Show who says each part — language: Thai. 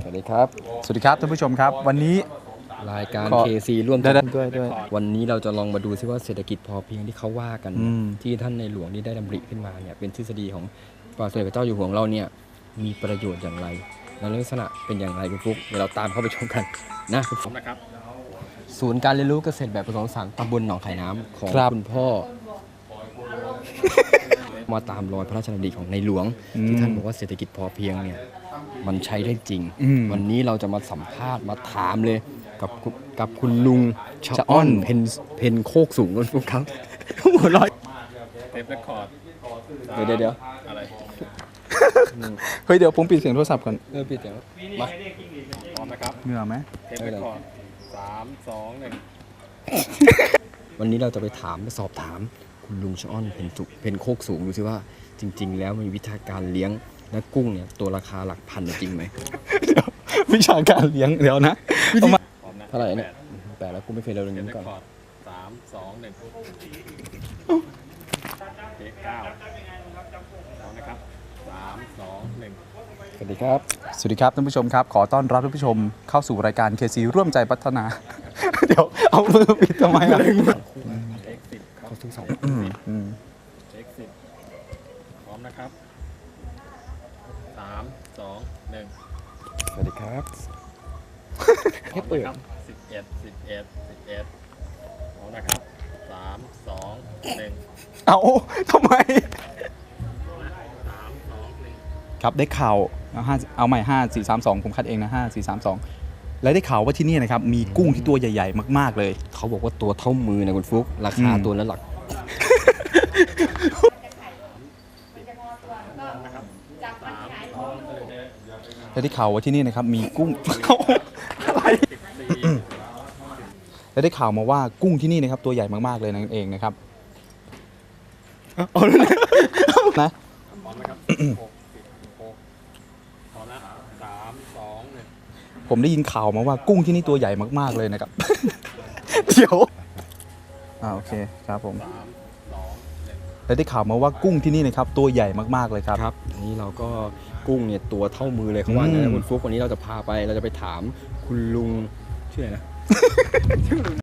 Speaker 1: วัสดีครับ
Speaker 2: ท่านผู้ชมครับวันนี้
Speaker 1: รายการ
Speaker 2: ขอ
Speaker 1: KC ร่วม
Speaker 2: ด้วย
Speaker 1: วันนี้เราจะลองมาดูซิว่าเศรษฐกิจพอเพียงที่เขาว่ากัน
Speaker 2: อืม
Speaker 1: ที่ท่านในหลวงนี่ได้ดำริขึ้นมาเนี่ยเป็นทฤษฎีของพระบาทสมเด็จพระเจ้าอยู่หัวของเราเนี่ยมีประโยชน์อย่างไรและลักษณะเป็นอย่างไรคุณฟุ๊กเดี๋ยวเราตามเข้าไปชมกันนะคุณฟุ๊กนะครับศูนย์การเรียนรู้เกษตรแบบผสมผสานตำบลหนองไข่น้ำของคุณพ่อ มาตามรอยพระราชดำริของในหลวงที่ท่านบอกว่าเศรษฐกิจพอเพียงเนี่ยมันใช้ได้จริง วันนี้เราจะมาสัมภาษณ์มาถามเลยกับคุณลุงชะอ้อนเพนโคกสูงคุณฟุ๊กครับหัวเร้อย
Speaker 3: เทปเรคคอร์ด
Speaker 1: เดี๋ยว
Speaker 3: อะไร
Speaker 2: เฮ้ยเดี๋ยวผมปิดเสียงโทรศัพท์ก่อน
Speaker 1: ปิดเสียงมา
Speaker 3: พร้อมนะครับ
Speaker 2: เหงื่อไหม
Speaker 3: เทปเรคคอร์ด3 2 1
Speaker 1: วันนี้เราจะไปสอบถามคุณลุงชะอ้อนเพนโคกสูงดูซิว่าจริง ๆ แล้วมีวิธีการเลี้ยงและกุ้งเนี่ยตัวราคาหลักพันจริงไหม
Speaker 2: วิชาการเลี้ยงเดี๋ยวนะเอามา
Speaker 3: พร้อมนะ
Speaker 1: เท่าไหร่เนี่ยแต่แล้วกูไม่เคยเรียน
Speaker 3: เทป
Speaker 1: นี้
Speaker 3: เรค
Speaker 1: ก่อน
Speaker 3: คอร์ด3 2 1เทป9พร้อมนะครับ3 2 1
Speaker 1: สวัสดีครับ
Speaker 2: สวัสดีครับท่านผู้ชมครับขอต้อนรับท่านผู้ชมเข้าสู่รายการ KC ร่วมใจพัฒนา เดี๋ยวเอามือปิดทำไมอ่ะ
Speaker 3: เทค10ครับ
Speaker 1: เขาซื้อสอง
Speaker 3: เทค10พร้อมนะครับ3 2 1
Speaker 1: สวัสดีครับ
Speaker 3: พร้อมนะครับ11พร้อมนะครับ3 2 1
Speaker 2: เอาทำไม
Speaker 3: 3 2 1
Speaker 2: ครับได้ข่าวเอาใหม่5 4 3 2ผมคัดเองนะ5 4 3 2และได้ข่าวว่าที่นี่นะครับมีกุ้งที่ตัวใหญ่ๆมากๆเลย
Speaker 1: เขาบอกว่าตัวเท่ามือนะคุณฟุ๊กราคาตัวละหลัก
Speaker 2: และได้ข่าวว่าที่นี่นะครับมีกุ้ง อะไรและได้ข่าวมาว่ากุ้งที่นี่นะครับตัวใหญ่มากๆเลยนั่นเองนะครับเอาเลยนะ
Speaker 3: พร้อมนะครับพร้อมนะ3 2 1
Speaker 2: ผมได้ยินข่าวมาว่ากุ้งที่นี่ตัวใหญ่มากๆเลยนะครับ เดี๋ยวโอเคครับผมและได้ข่าวมาว่ากุ้งที่นี่นะครับตัวใหญ่มากๆเลยครับ
Speaker 1: ครับนี่เราก็กุ้งเนี่ยตัวเท่ามือเลยเขาว่างั้นนะคุณฟุ๊กวันนี้เราจะไปถามคุณลุงชื่ออะไรนะ